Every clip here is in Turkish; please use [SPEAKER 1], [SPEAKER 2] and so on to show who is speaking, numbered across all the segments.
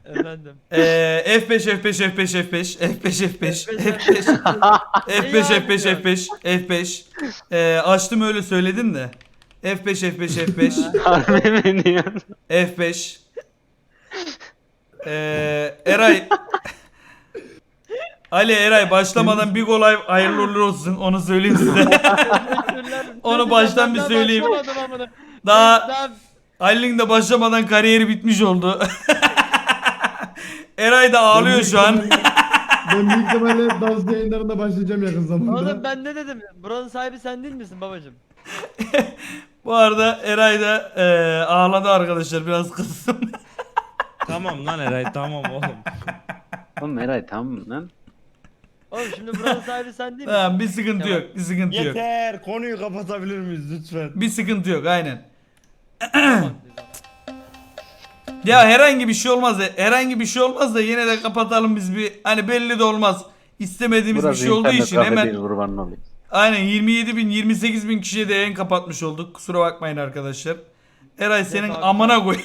[SPEAKER 1] Efendim.
[SPEAKER 2] F5 F5 F5 F5 F5 F5 F5 F5 F5 F5 F5 açtım öyle söyledin de F5 F5 F5
[SPEAKER 3] Harbi mi diyorsun?
[SPEAKER 2] F5 Eray Ali Eray başlamadan bir gol hayırlı uğurlu olsun onu söyleyeyim size.
[SPEAKER 1] Teşekkürler.
[SPEAKER 2] Onu baştan bir
[SPEAKER 1] Daha
[SPEAKER 2] söyleyeyim.
[SPEAKER 1] başlamadım amına.
[SPEAKER 2] Daha Ali'nin de başlamadan kariyeri bitmiş oldu. Eray da ağlıyor şu an.
[SPEAKER 4] Ben büyük ihtimalle dans yayınlarında başlayacağım yakın zamanda.
[SPEAKER 1] Oğlum ben ne dedim? Buranın sahibi sen değil misin babacım?
[SPEAKER 2] Bu arada Eray da ağladı arkadaşlar biraz kızsın.
[SPEAKER 5] Tamam lan Eray tamam oğlum.
[SPEAKER 3] Oğlum Eray tamam lan.
[SPEAKER 1] Oğlum şimdi buranın sahibi sen değil misin?
[SPEAKER 2] Tamam bir sıkıntı
[SPEAKER 1] Tamam.
[SPEAKER 2] yok. Bir sıkıntı yok.
[SPEAKER 5] Yeter konuyu kapatabilir miyiz lütfen?
[SPEAKER 2] Bir sıkıntı yok aynen.
[SPEAKER 1] Tamam.
[SPEAKER 2] Ya herhangi bir şey olmaz da herhangi bir şey olmaz da yine de kapatalım biz bir hani belli de olmaz. İstemediğimiz bir şey olduğu
[SPEAKER 3] internet
[SPEAKER 2] için
[SPEAKER 3] kafe
[SPEAKER 2] hemen
[SPEAKER 3] değil, kurbanın olayım.
[SPEAKER 2] aynen 27 bin 28 bin kişiye de yayın kapatmış olduk. Kusura bakmayın arkadaşlar. Eray senin
[SPEAKER 1] abi.
[SPEAKER 2] amına koyayım.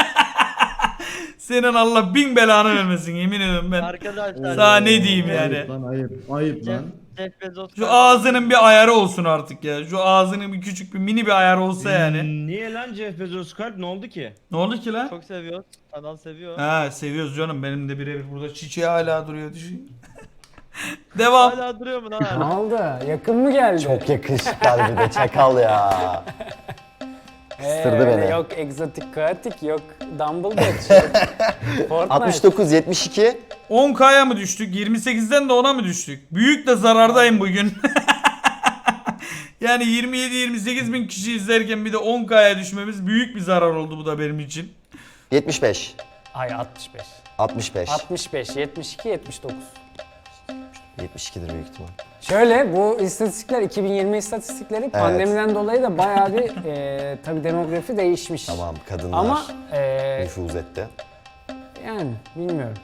[SPEAKER 2] Senin Allah bin belanı vermesin yemin ediyorum ben.
[SPEAKER 1] Arkadaşlar.
[SPEAKER 2] Sana ne diyeyim yani.
[SPEAKER 4] Ayıp lan ayıp. Ayıp
[SPEAKER 1] Jeff,
[SPEAKER 4] lan.
[SPEAKER 1] Jeff Bezos.
[SPEAKER 2] Şu ağzının bir ayarı olsun artık ya. Şu ağzının bir küçük bir mini bir ayarı olsa yani.
[SPEAKER 5] Niye lan Jeff Bezos kalp ne oldu ki?
[SPEAKER 2] Ne oldu ki lan?
[SPEAKER 1] Çok seviyor. Kanal seviyor.
[SPEAKER 2] Ha seviyoruz canım. Benim de birebir burada çiçeği hala duruyor düşün. Devam.
[SPEAKER 1] Hala duruyor mu lan
[SPEAKER 6] Ne
[SPEAKER 1] hala?
[SPEAKER 6] oldu? Yakın mı geldi?
[SPEAKER 7] Çok yakışıklı bir de çakal ya. Kıstırdı
[SPEAKER 6] öyle
[SPEAKER 7] beni.
[SPEAKER 6] Yok egzotik kaotik, yok Dumbledore, yok Fortnite.
[SPEAKER 7] 69 72
[SPEAKER 2] 10K'ya mı düştük? 28'den de 10'a mı düştük? Büyük de zarardayım bugün. Yani 27-28 bin kişi izlerken bir de 10K'ya düşmemiz büyük bir zarar oldu bu da benim için.
[SPEAKER 7] 75
[SPEAKER 6] Ay 65.
[SPEAKER 7] 65
[SPEAKER 6] 65, 72, 79.
[SPEAKER 7] 72'dir büyük ihtimal.
[SPEAKER 6] Şöyle bu istatistikler 2020 istatistikleri pandemiden dolayı da bayağı bir tabii demografi değişmiş.
[SPEAKER 7] Tamam kadınlar
[SPEAKER 6] Ama
[SPEAKER 7] nüfuz etti.
[SPEAKER 6] yani bilmiyorum.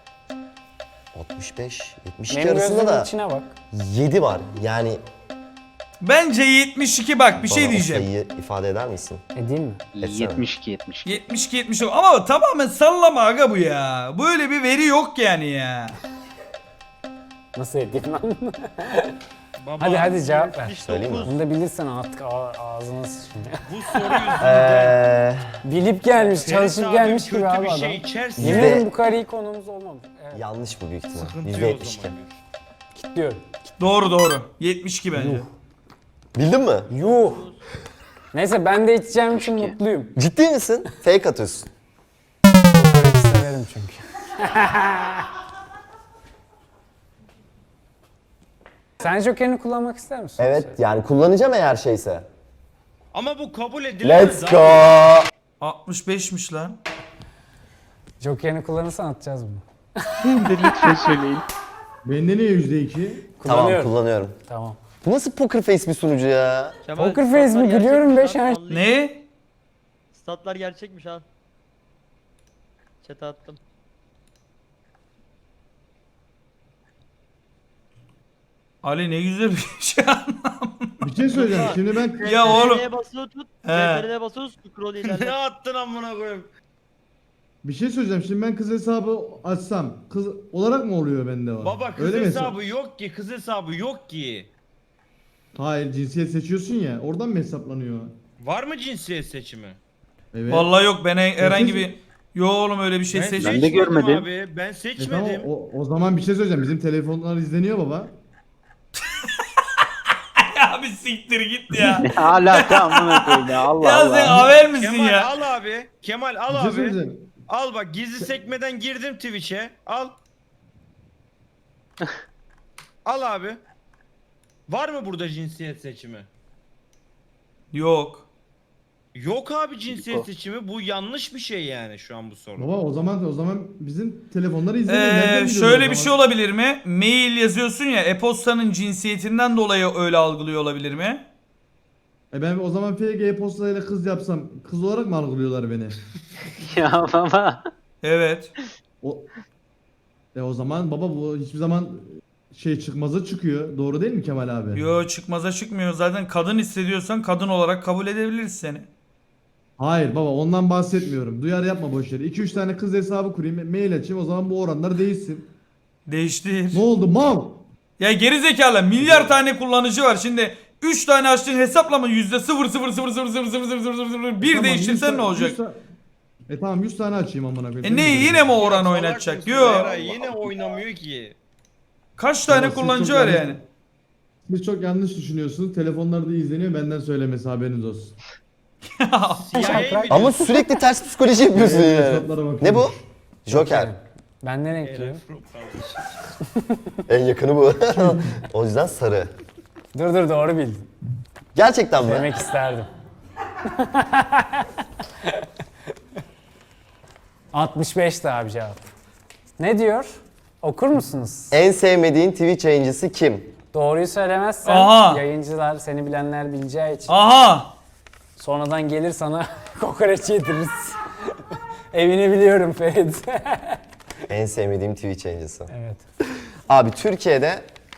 [SPEAKER 7] 65 72
[SPEAKER 6] Benim
[SPEAKER 7] arasında
[SPEAKER 6] gözümün
[SPEAKER 7] da
[SPEAKER 6] içine bak.
[SPEAKER 7] 7 var. Yani
[SPEAKER 2] Bence 72 bak bir şey
[SPEAKER 7] bana o
[SPEAKER 2] diyeceğim.
[SPEAKER 7] sayıyı ifade eder misin?
[SPEAKER 6] Edeyim mi?
[SPEAKER 7] Etsene.
[SPEAKER 3] 72 72.
[SPEAKER 2] 72 ama tamamen sallama aga bu ya. Böyle bir veri yok yani ya.
[SPEAKER 6] Nasıl edeyim lan?
[SPEAKER 5] Baba,
[SPEAKER 6] hadi cevap ver.
[SPEAKER 7] Söyleyeyim mi?
[SPEAKER 6] Bunu da bilirsen artık ağzına sıçayım ya.
[SPEAKER 5] Bu soru yüzünden.
[SPEAKER 6] Bilip gelmiş, çalışıp gelmiş gibi
[SPEAKER 5] kötü
[SPEAKER 6] abi
[SPEAKER 5] bir
[SPEAKER 6] adam.
[SPEAKER 5] şey içersin.
[SPEAKER 6] Yemin ederim bu kadar iyi konuğumuz olmamış. Evet.
[SPEAKER 7] Yanlış bu büyük ihtimal.
[SPEAKER 5] Sıkıntı yok o
[SPEAKER 7] %72.
[SPEAKER 5] zaman.
[SPEAKER 6] Kilitliyorum.
[SPEAKER 2] Doğru. 72 bence.
[SPEAKER 7] Bildin mi?
[SPEAKER 6] Yuh. Neyse ben de içeceğim için mutluyum.
[SPEAKER 7] Ciddi misin? Fake atıyorsun.
[SPEAKER 6] Kokoreç severim çünkü. Sen Joker'ini kullanmak ister misin?
[SPEAKER 7] Evet yani kullanacağım eğer şeyse.
[SPEAKER 5] Ama bu kabul edilemez.
[SPEAKER 7] Let's go.
[SPEAKER 2] 65'miş lan.
[SPEAKER 6] Joker'ini kullanırsan atacağız bunu.
[SPEAKER 3] Lütfen söyleyin.
[SPEAKER 4] Bende niye %2?
[SPEAKER 7] Tamam
[SPEAKER 6] Kullanıyorum.
[SPEAKER 7] kullanıyorum.
[SPEAKER 6] Tamam.
[SPEAKER 7] Bu nasıl poker face bir sunucu ya?
[SPEAKER 1] Kemal,
[SPEAKER 6] Poker face mi?
[SPEAKER 1] statlar
[SPEAKER 6] Gülüyorum
[SPEAKER 1] gerçekmiş
[SPEAKER 6] be
[SPEAKER 1] lan,
[SPEAKER 6] şen-
[SPEAKER 1] vallahi.
[SPEAKER 2] Ne?
[SPEAKER 1] Statlar gerçekmiş ha. Chat'e attım.
[SPEAKER 2] Ali ne güzel bir şey
[SPEAKER 4] Bir şey söyleyeceğim. Şimdi ben
[SPEAKER 2] Ya oğlum.
[SPEAKER 1] CTRL'ye basılı tut.
[SPEAKER 2] He.
[SPEAKER 1] CTRL'ye basılı tut. Scroll
[SPEAKER 5] ne
[SPEAKER 1] ilerle.
[SPEAKER 5] attın amına koyayım?
[SPEAKER 4] bir şey söyleyeceğim. Şimdi ben kız hesabı açsam kız olarak mı oluyor bende o?
[SPEAKER 5] Baba kız
[SPEAKER 4] Öyle mi
[SPEAKER 5] hesabı yok ki, kız hesabı yok ki.
[SPEAKER 4] Hayır cinsiyet seçiyorsun ya. Oradan mı hesaplanıyor?
[SPEAKER 5] Var mı cinsiyet seçimi?
[SPEAKER 4] Evet.
[SPEAKER 2] Vallahi yok ben herhangi
[SPEAKER 4] Seçim-
[SPEAKER 2] bir Yo oğlum öyle bir şey
[SPEAKER 5] Ben
[SPEAKER 2] seç.
[SPEAKER 3] de
[SPEAKER 5] seçmedim
[SPEAKER 3] görmedim.
[SPEAKER 5] abi. Ben
[SPEAKER 4] E
[SPEAKER 5] seçmedim.
[SPEAKER 4] tamam, o zaman bir şey söyleyeceğim. Bizim telefonlar izleniyor baba.
[SPEAKER 2] Ya bir siktir git ya.
[SPEAKER 3] Ne alaka amına koyayım ya Allah
[SPEAKER 2] Ya sen
[SPEAKER 3] Allah.
[SPEAKER 2] haber misin
[SPEAKER 5] Kemal
[SPEAKER 2] ya?
[SPEAKER 5] al abi. Kemal
[SPEAKER 4] Bir
[SPEAKER 5] al
[SPEAKER 4] şey
[SPEAKER 5] abi.
[SPEAKER 4] söyleyeceğim.
[SPEAKER 5] Al bak gizli sekmeden girdim Twitch'e. Al. Al abi. Var mı burada cinsiyet seçimi?
[SPEAKER 2] Yok.
[SPEAKER 5] Yok abi cinsiyet seçimi. Bu yanlış bir şey yani şu an bu soru.
[SPEAKER 4] Baba o zaman bizim telefonları izleniyor. Nereden biliyorsun
[SPEAKER 2] Şöyle
[SPEAKER 4] o
[SPEAKER 2] bir
[SPEAKER 4] zaman?
[SPEAKER 2] şey olabilir mi? Mail yazıyorsun ya e-postanın cinsiyetinden dolayı öyle algılıyor olabilir mi?
[SPEAKER 4] Ben o zaman FG postayla kız yapsam kız olarak mı algılıyorlar beni?
[SPEAKER 3] Ya baba.
[SPEAKER 2] Evet.
[SPEAKER 4] O zaman baba bu hiçbir zaman şey çıkmaza çıkıyor. Doğru değil mi Kemal abi?
[SPEAKER 2] Yo çıkmaza çıkmıyor. Zaten kadın hissediyorsan kadın olarak kabul edebiliriz seni.
[SPEAKER 4] Hayır baba ondan bahsetmiyorum. Duyar yapma boş yere. 2-3 tane kız hesabı kurayım, mail açayım, o zaman bu oranlar değişsin.
[SPEAKER 2] Değiştir.
[SPEAKER 4] Ne oldu mal?
[SPEAKER 2] Ya geri zekalı milyar tane kullanıcı var. Şimdi 3 tane açtığın hesaplama %0,000000001
[SPEAKER 4] Tamam,
[SPEAKER 2] değiştirsen
[SPEAKER 4] 100
[SPEAKER 2] ne olacak?
[SPEAKER 4] 100 tamam 100 tane açayım amına koyayım.
[SPEAKER 2] E ne yine mi o oran oynatacak?
[SPEAKER 5] Salak
[SPEAKER 2] Yo.
[SPEAKER 5] mısın Eray? Yine oynamıyor ki.
[SPEAKER 2] Kaç tane
[SPEAKER 4] Ama siz
[SPEAKER 2] kullanıcı
[SPEAKER 4] çok
[SPEAKER 2] var
[SPEAKER 4] yanlış-
[SPEAKER 2] yani?
[SPEAKER 4] Siz çok yanlış düşünüyorsunuz. Telefonlarda izleniyor, benden söylemesi, haberiniz olsun.
[SPEAKER 5] CIA mi
[SPEAKER 7] Ama sürekli ters psikoloji yapıyorsun yani.
[SPEAKER 4] Hesaplara bakıyorum.
[SPEAKER 7] Ne bu? Joker.
[SPEAKER 6] Ben ne renkliyim?
[SPEAKER 7] En yakını bu. O yüzden sarı.
[SPEAKER 6] Dur doğru bildin.
[SPEAKER 7] Gerçekten mi?
[SPEAKER 6] Demek isterdim. 65'ti abi cevap. Ne diyor? Okur musunuz?
[SPEAKER 7] En sevmediğin Twitch yayıncısı kim?
[SPEAKER 6] Doğruyu söylemezsen
[SPEAKER 2] Aha.
[SPEAKER 6] yayıncılar seni bilenler bileceği için
[SPEAKER 2] Aha.
[SPEAKER 6] sonradan gelir sana kokoreç yediririz. Evini biliyorum Ferit.
[SPEAKER 7] En sevmediğim Twitch yayıncısı.
[SPEAKER 6] Evet.
[SPEAKER 7] Abi Türkiye'de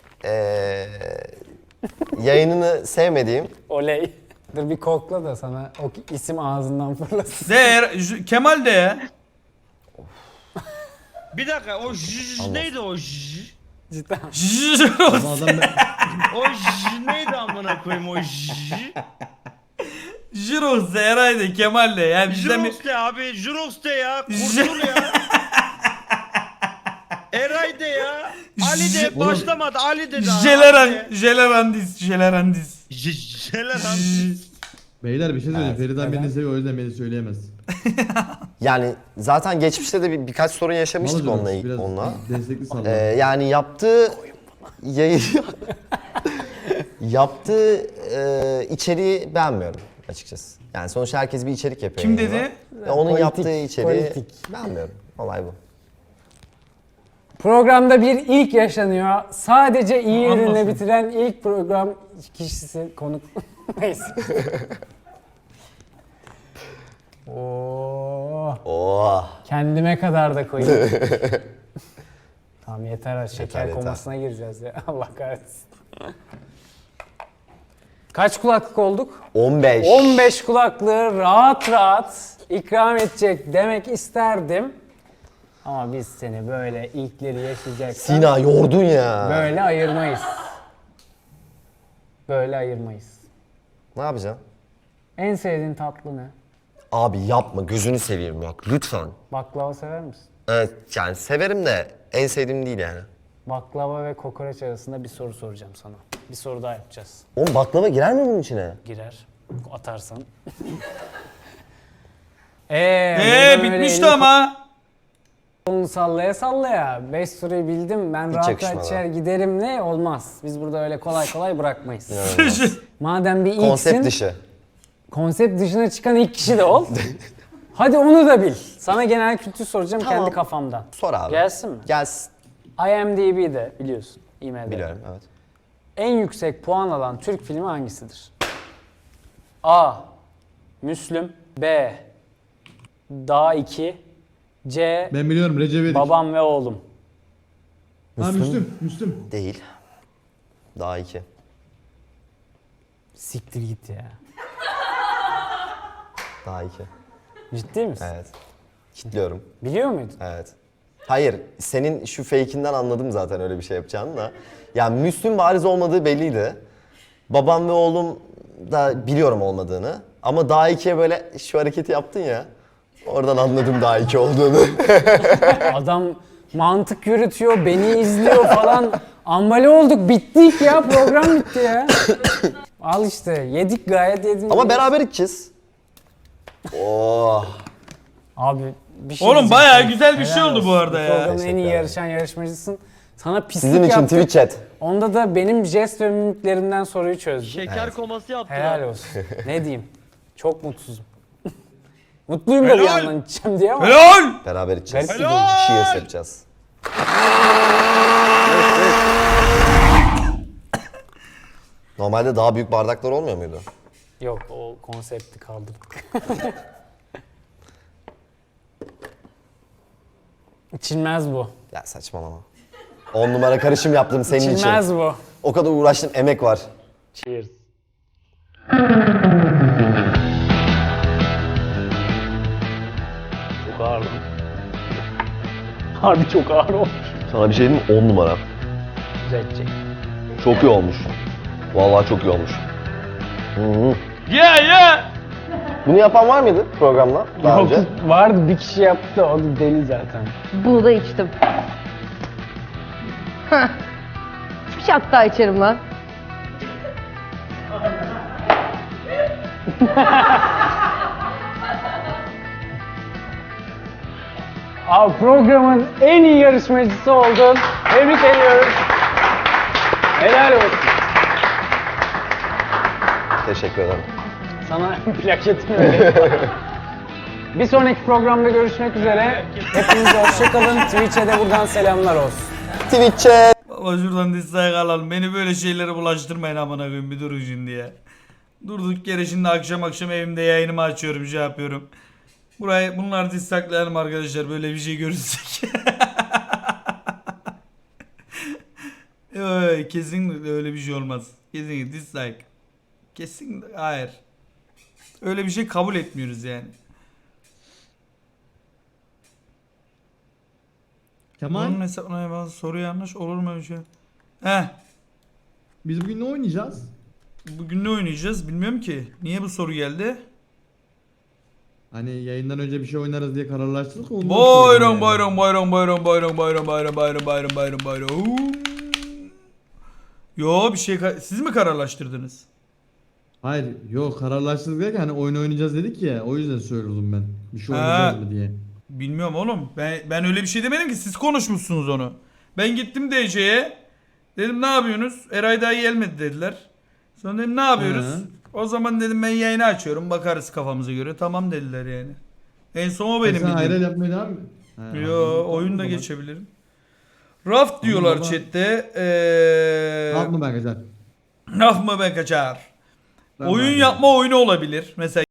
[SPEAKER 7] yayınını sevmediğim
[SPEAKER 6] Oley. Dur bir kokla da sana o isim ağzından fırlasın.
[SPEAKER 2] Kemal de ya.
[SPEAKER 5] Bir dakika o neydi o
[SPEAKER 6] Cidden.
[SPEAKER 4] Ama adam
[SPEAKER 5] O neydi amına koyayım o
[SPEAKER 2] Jirox de Eray de Kemal de. Yani bizden bir...
[SPEAKER 5] Jurox de abi Jurox de ya kurtul ya. Eray de ya. Ali de başlamadı Ali de daha.
[SPEAKER 2] Jelerandis.
[SPEAKER 4] Beyler bir şey söyleyeyim.
[SPEAKER 7] Evet.
[SPEAKER 4] Feriden
[SPEAKER 6] Neden?
[SPEAKER 4] beni seviyor, o yüzden beni söyleyemez.
[SPEAKER 7] yani zaten geçmişte de birkaç sorun yaşamıştık
[SPEAKER 4] Mal
[SPEAKER 7] onunla.
[SPEAKER 4] hocam, biraz
[SPEAKER 7] onunla.
[SPEAKER 4] destekli salla.
[SPEAKER 7] Yani yaptığı yayın yaptığı içeriği beğenmiyorum açıkçası. Yani sonuçta herkes bir içerik yapıyor.
[SPEAKER 2] Kim
[SPEAKER 7] yayında.
[SPEAKER 2] dedi?
[SPEAKER 7] Ve onun
[SPEAKER 6] Politik,
[SPEAKER 7] yaptığı içeriği
[SPEAKER 6] politik.
[SPEAKER 7] beğenmiyorum. Olay bu.
[SPEAKER 6] Programda bir ilk yaşanıyor. Sadece iyi ürünle
[SPEAKER 2] Anlasın.
[SPEAKER 6] bitiren ilk program kişisi konuk. Neyse. Oo,
[SPEAKER 7] Oh.
[SPEAKER 6] kendime kadar da koyayım. Tamam yeter, şeker
[SPEAKER 7] yeter.
[SPEAKER 6] komasına gireceğiz ya. Allah kahretsin. Kaç kulaklık olduk?
[SPEAKER 7] 15.
[SPEAKER 6] 15 kulaklığı rahat rahat ikram edecek demek isterdim. Ama biz seni böyle ilkleri yaşayacaksan
[SPEAKER 7] Sina yordun ya.
[SPEAKER 6] böyle ayırmayız. Böyle ayırmayız.
[SPEAKER 7] Ne yapacaksın?
[SPEAKER 6] En sevdiğin tatlı ne?
[SPEAKER 7] Abi yapma gözünü seveyim bak lütfen.
[SPEAKER 6] Baklava sever misin?
[SPEAKER 7] Evet yani severim de en sevdiğim değil yani.
[SPEAKER 6] Baklava ve kokoreç arasında bir soru soracağım sana. Bir soru daha yapacağız.
[SPEAKER 7] Oğlum baklava girer mi bunun içine?
[SPEAKER 6] Girer. Atarsan. buradan öyle
[SPEAKER 2] Bitmişti
[SPEAKER 6] elini
[SPEAKER 2] ama.
[SPEAKER 6] kolunu sallaya sallaya. 5 soruyu bildim. Ben rahat rahat
[SPEAKER 7] yakışmadı.
[SPEAKER 6] içer giderim ne? Olmaz. Biz burada öyle kolay kolay bırakmayız.
[SPEAKER 7] İnanılmaz.
[SPEAKER 6] Madem bir ilksin.
[SPEAKER 7] Konsept dışı.
[SPEAKER 6] Konsept dışına çıkan ilk kişi de ol. Hadi onu da bil. Sana genel kültür soracağım
[SPEAKER 7] Tamam.
[SPEAKER 6] kendi kafamdan.
[SPEAKER 7] Sor abi.
[SPEAKER 6] Gelsin mi?
[SPEAKER 7] Gelsin.
[SPEAKER 6] IMDb'de biliyorsun. IMDb'de.
[SPEAKER 7] Biliyorum evet.
[SPEAKER 6] En yüksek puan alan Türk filmi hangisidir? A. Müslüm. B. Dağ 2. C.
[SPEAKER 4] Ben biliyorum, Recep İvedik.
[SPEAKER 6] Babam ve oğlum.
[SPEAKER 4] Ha Müslüm.
[SPEAKER 7] Değil. Daha 2.
[SPEAKER 6] Siktir git ya.
[SPEAKER 7] Daha 2.
[SPEAKER 6] Ciddi misin?
[SPEAKER 7] Evet. Kitliyorum.
[SPEAKER 6] Biliyor muydun?
[SPEAKER 7] Evet. Hayır, senin şu fake'inden anladım zaten öyle bir şey yapacağını da. Yani Müslüm bariz olmadığı belliydi. Babam ve oğlum da biliyorum olmadığını. Ama daha 2'ye böyle şu hareketi yaptın ya. Oradan anladım daha 2 olduğunu.
[SPEAKER 6] Adam mantık yürütüyor, beni izliyor falan. Ambale olduk, bittik ya. Program bitti ya. Al işte, yedik gayet yedik.
[SPEAKER 7] Ama beraber içeceğiz. Oh.
[SPEAKER 6] Abi bir şey
[SPEAKER 2] Oğlum
[SPEAKER 6] diyeceğim.
[SPEAKER 2] bayağı güzel bir şey
[SPEAKER 6] Helal
[SPEAKER 2] oldu bu
[SPEAKER 6] olsun.
[SPEAKER 2] arada ya.
[SPEAKER 6] Programın en iyi
[SPEAKER 7] Teşekkür ederim.
[SPEAKER 6] yarışan yarışmacısın. Sana pislik
[SPEAKER 7] Sizin için
[SPEAKER 6] yaptık.
[SPEAKER 7] Twitch chat.
[SPEAKER 6] Onda da benim jest ve mimiklerimden soruyu çözdün.
[SPEAKER 1] Şeker koması yaptı.
[SPEAKER 6] Helal olsun. Ne diyeyim? Çok mutsuzum. Mutluyum da bir
[SPEAKER 5] Helal.
[SPEAKER 6] yandan içeceğim diye ama.
[SPEAKER 2] Helal.
[SPEAKER 7] Beraber içeceğiz.
[SPEAKER 6] Garip bir
[SPEAKER 5] Helal.
[SPEAKER 7] Cheers yapacağız. Normalde daha büyük bardaklar olmuyor muydu?
[SPEAKER 6] Yok o konsepti kaldırdık. İçilmez bu.
[SPEAKER 7] Ya saçmalama. 10 numara karışım yaptım senin için.
[SPEAKER 6] İçilmez bu.
[SPEAKER 7] O kadar uğraştım, emek var.
[SPEAKER 6] Cheers.
[SPEAKER 3] Harbi çok ağır olmuş.
[SPEAKER 7] Sana bir şey diyeyim mi? 10 numara.
[SPEAKER 3] Düzeltecek.
[SPEAKER 7] Çok iyi olmuş. Vallahi çok iyi olmuş. Hı-hı. Bunu yapan var mıydı programda daha
[SPEAKER 6] Yok,
[SPEAKER 7] önce?
[SPEAKER 6] vardı bir kişi yaptı o da deli zaten.
[SPEAKER 8] Bunu da içtim. Heh. Bir şat daha içerim lan.
[SPEAKER 6] Abi programın en iyi yarışmacısı oldun. Tebrik ediyoruz. Helal olsun.
[SPEAKER 7] Teşekkür ederim.
[SPEAKER 6] Sana plaketini vereyim. Bir sonraki programda görüşmek üzere. Hepinize hoşçakalın. Twitch'e de buradan selamlar olsun.
[SPEAKER 7] Twitch'e
[SPEAKER 2] Baba şuradan dislike alalım. Beni böyle şeylere bulaştırmayın amına koyayım bir durun şimdi ya. Durduk yere şimdi akşam evimde yayınımı açıyorum şey yapıyorum. Bunlar dislike'layalım arkadaşlar böyle bir şey görürsek. Yok, kesinlikle öyle bir şey olmaz. Kesinlikle dislike. Kesinlikle hayır. Öyle bir şey kabul etmiyoruz yani.
[SPEAKER 4] Kemal
[SPEAKER 2] Bunun hesabına bazı soru yanlış olur mu öyle şey? Heh.
[SPEAKER 4] biz bugün ne oynayacağız?
[SPEAKER 2] Bugün ne oynayacağız bilmiyorum ki. Niye bu soru geldi?
[SPEAKER 4] Hani yayından önce bir şey oynarız diye kararlaştırdık. ondan
[SPEAKER 2] Bayram
[SPEAKER 4] sordum
[SPEAKER 2] bayram bayram bayram bayram bayram bayram bayram bayram bayram bayram. Yo bir şey siz mi kararlaştırdınız?
[SPEAKER 4] Hayır yok kararlaştırdık derken hani oyun oynayacağız dedik ya o yüzden söylüyordum ben. Bir şey
[SPEAKER 2] Ha.
[SPEAKER 4] oynayacağız mı diye.
[SPEAKER 2] Bilmiyorum oğlum. Ben öyle bir şey demedim ki siz konuşmuşsunuz onu. Ben gittim DC'ye. Dedim ne yapıyorsunuz? Eray daha gelmedi dediler. Sonra dedim ne yapıyoruz?
[SPEAKER 4] Hı.
[SPEAKER 2] O zaman dedim ben yayını açıyorum bakarız kafamıza göre. Tamam dediler yani. En son o benim
[SPEAKER 4] Sen hayral
[SPEAKER 2] bildiğim.
[SPEAKER 4] yapmaya devam mı? Ha,
[SPEAKER 2] Yo
[SPEAKER 4] anladım.
[SPEAKER 2] oyun da
[SPEAKER 4] Tamam.
[SPEAKER 2] geçebilirim. Raft diyorlar
[SPEAKER 4] baba.
[SPEAKER 2] chatte.
[SPEAKER 4] Ne yapma ben kaçar.
[SPEAKER 2] Raf mı be kaçar?
[SPEAKER 4] Tamam
[SPEAKER 2] Oyun
[SPEAKER 4] abi.
[SPEAKER 2] yapma oyunu olabilir. Mesela